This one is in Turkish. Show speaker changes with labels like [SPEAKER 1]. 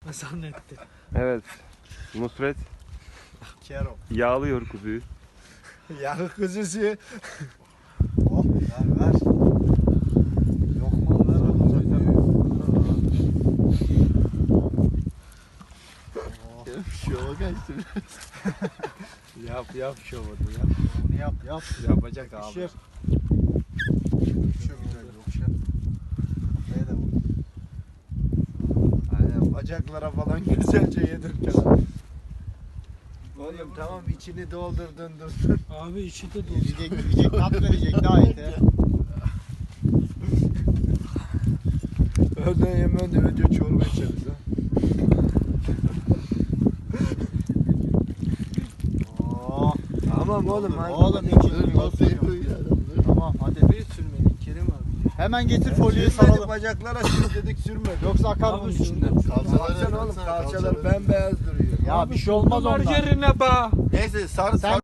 [SPEAKER 1] zannetti.
[SPEAKER 2] Evet. Nusret
[SPEAKER 3] Kero.
[SPEAKER 2] yağlıyor kuzuyu.
[SPEAKER 3] Yağı kuzusu. Oh ver. Lokmalar olacak.
[SPEAKER 4] Şova kaçtı.
[SPEAKER 3] Yap şovunu yap. Onu yap. Yapacak abi. Şef. Çok güzel yokşa. Kafaya da vur. Aynen bacaklara falan güzelce yedirken. Oğlum tamam içini doldurdun.
[SPEAKER 1] Abi içi de dolu.
[SPEAKER 4] Yiyecek tat verecek daha iyi.
[SPEAKER 3] Öğlen yemeğinde önce çorba içeriz ha.
[SPEAKER 4] Oh.
[SPEAKER 3] Tamam oğlum.
[SPEAKER 4] Oğlum içini
[SPEAKER 3] Masayı
[SPEAKER 4] koy.
[SPEAKER 3] koy ya.
[SPEAKER 4] Tamam hadi.
[SPEAKER 1] Bir sürmeli Kerim abi.
[SPEAKER 4] Hemen getir folyoyu
[SPEAKER 3] Sürmedik
[SPEAKER 4] saralım.
[SPEAKER 3] bacaklara sürmedik sürmedik.
[SPEAKER 4] Yoksa akar bunun
[SPEAKER 1] Abi
[SPEAKER 4] içinden.
[SPEAKER 3] Baksana oğlum kalçalar bembeyaz duruyor.
[SPEAKER 4] Ya bir şey olmaz ondan.
[SPEAKER 1] Margarine ba.
[SPEAKER 3] Neyse sarı
[SPEAKER 4] Sen